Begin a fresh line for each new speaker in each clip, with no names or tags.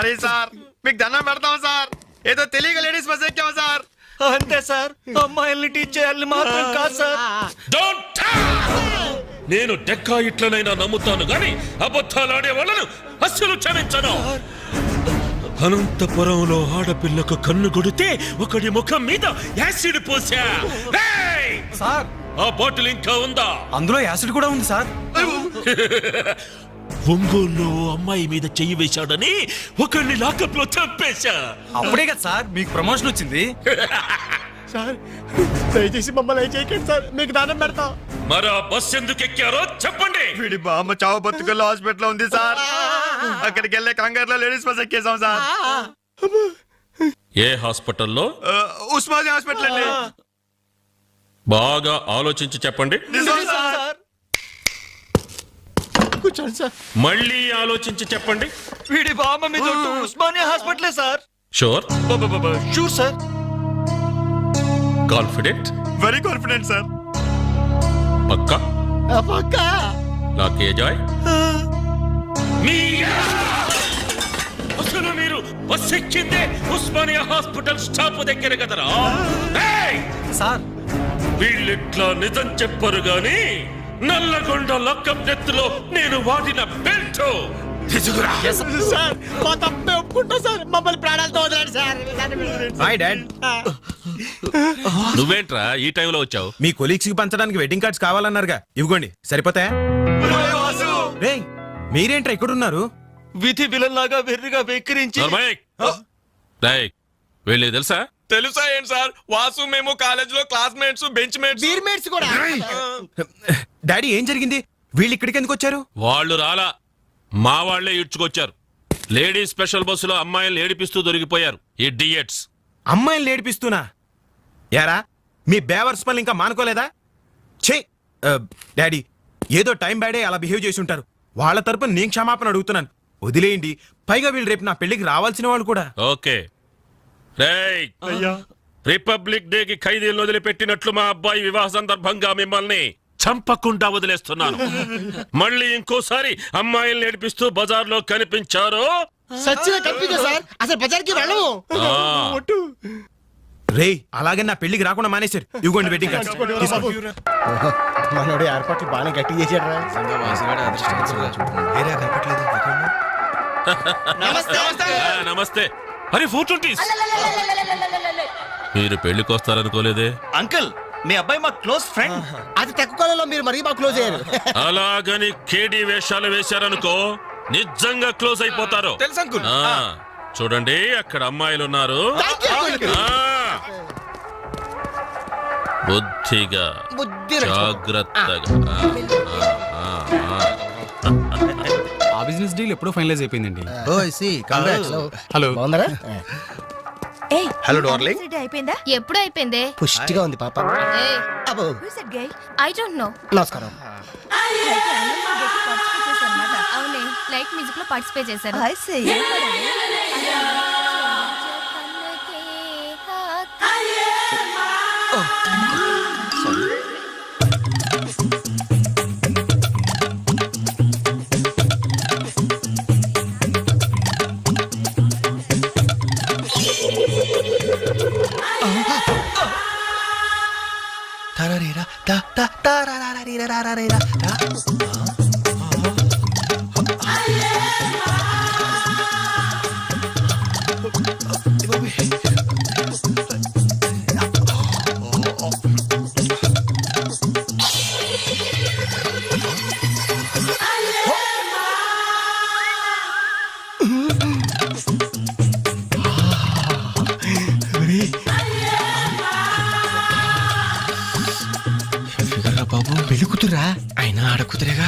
Sorry sir, మీకు దండం పెడతాం సార్. ఏదో తెలియక లేడీస్ బస్ ఎక్కాం సార్.
అంతే సార్, అమ్మాయిల్ని టీచ్ చేయాలని మాత్రం కాదు సార్.
నేను డెక్కా ఇట్లనైనా నమ్ముతాను గాని అబద్ధాలాడే వాళ్ళను అస్సలు క్షమించను. అనంతపురంలో ఆడపిల్లకు కన్ను కొడితే ఒకడి ముఖం మీద యాసిడ్ పోసా.
సార్
ఆ బాటిల్ ఇంకా ఉందా?
అందులో యాసిడ్ కూడా ఉంది సార్.
ఒంగోలులో అమ్మాయి మీద చెయ్యి వేశాడని ఒకరిని లాకప్ లో చంపేశా.
అప్పుడే కదా సార్ మీకు ప్రమోషన్ వచ్చింది.
సార్ దయచేసి మమ్మల్ని చేయకండి సార్, మీకు దానం పెడతాం.
మరి ఆ బస్ ఎందుకు ఎక్కారో చెప్పండి.
వీడి బామ్మ చావు బతుకుల్లో హాస్పిటల్ ఉంది సార్. అక్కడికి వెళ్ళే కంగారులో లేడీస్ బస్ ఎక్కేసాం సార్.
ఏ హాస్పిటల్లో?
ఉస్మానియా హాస్పిటల్ అండి.
బాగా ఆలోచించి చెప్పండి.
నిజం సార్. కూర్చోండి సార్.
మళ్ళీ ఆలోచించి చెప్పండి.
వీడి బామ్మ మీద ఉస్మానియా హాస్పిటలే sir.
Sure?
Sure sir.
Confident?
Very confident sir.
పక్కా?
పక్కా.
నాకే జాయ్. అసలు మీరు బస్ ఎక్కిందే ఉస్మానియా హాస్పిటల్ స్టాప్ దగ్గర కదరా?
సార్
వీళ్ళిట్లా నిజం చెప్పరు గాని నల్లగొండ లక్కప్ నెత్తులో నేను వాడిన బెల్ట్ తీసుకురా.
సార్ మా తప్పే ఒప్పుకుంటా సార్, మమ్మల్ని ప్రాణాలతో వదలండి సార్.
Hi dad.
నువ్వేంట్రా ఈ టైంలో వచ్చావు?
మీ కొలీగ్స్ కి పంచడానికి వెడ్డింగ్ కార్డ్స్ కావాలన్నారుగా, ఇవ్వండి సరిపోతాయా? రేయ్ మీరేంట్రా ఇక్కడ ఉన్నారు?
విధి విలన్లాగా వెర్రిగా వెక్కిరించి
వీళ్ళకి తెలుసా?
తెలుసా ఏంటి సార్, వాసు మేము కాలేజ్ లో classmates, bench mates, beer mates కూడా.
డాడీ ఏం జరిగింది? వీళ్ళు ఇక్కడికి ఎందుకు వచ్చారు?
వాళ్ళు రాలా, మా వాళ్లే ఇడ్చుకొచ్చారు. లేడీస్ స్పెషల్ బస్సులో అమ్మాయిలు ఏడిపిస్తూ దొరికిపోయారు ఈ డియట్స్.
అమ్మాయిని ఏడిపిస్తున్నా? యారా మీ బేవర్స్ పనులు ఇంకా మానుకోలేదా? ఛే డాడీ, ఏదో టైం బ్యాడే అలా బిహేవ్ చేసి ఉంటారు. వాళ్ళ తరపున నేను క్షమాపణ అడుగుతున్నాను, వదిలేయండి. పైగా వీళ్ళు రేపు నా పెళ్లికి రావాల్సిన వాళ్ళు కూడా.
ఓకే రిపబ్లిక్ డే కి ఖైదీలను వదిలిపెట్టినట్లు మా అబ్బాయి వివాహ సందర్భంగా మిమ్మల్ని చంపకుండా వదిలేస్తున్నాను. మళ్ళీ ఇంకోసారి అమ్మాయిల్ని ఏడిపిస్తూ బజార్లో కనిపించారో
రేయ్ అలాగే నా పెళ్లికి రాకుండా మానేశారు. ఇవ్వండి వెడ్డింగ్ కార్డ్స్.
మనోడు ఏర్పాట్లు బాగా గట్టి చేసాడు.
నమస్తే. అరే 420. మీరు పెళ్లికి వస్తారనుకోలేదే.
అంకుల్ మీ అబ్బాయి మా క్లోజ్ ఫ్రెండ్.
అది తక్కువ కాలంలో మీరు మరీ బాగా క్లోజ్ అయ్యారు.
అలాగని కేడీ వేషాలు వేశారనుకో నిజంగా క్లోజ్ అయిపోతారు.
తెలుసు అంకుల్.
చూడండి అక్కడ అమ్మాయిలు ఉన్నారు. బుద్ధిగా జాగ్రత్తగా.
ఆ బిజినెస్ డీల్ ఎప్పుడో ఫైనలైజ్ అయిపోయిందండి.
హలో బాగున్నారా?
Hello darling.
అయిపోయిందా? ఎప్పుడు అయిపోయింది?
పుష్టిగా ఉంది పాప.
I don't know.
నమస్కారం.
అవునే లైట్ మ్యూజిక్ లో పార్టిసిపేట్ చేశారు.
బాబు పెళ్లి కూతురా? అయినా ఆడకూతురేగా.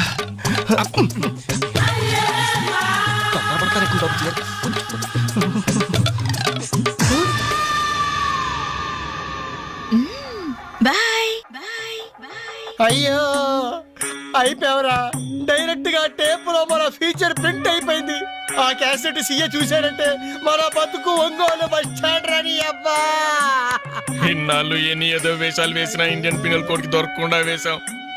అయ్యో అయిపోయావరా. డైరెక్ట్ గా టేప్ లో మన ఫీచర్ ప్రింట్ అయిపోయింది. ఆ క్యాసెట్ సీఏ చూశాడంటే మన బతుకు ఒంగోలు బస్ స్టాండ్ రాని. అబ్బా
ఇన్నాళ్ళు ఎన్ని ఏదో వేషాలు వేసినా ఇండియన్ పీనల్ కోడ్ కి దొరకకుండా వేశాం.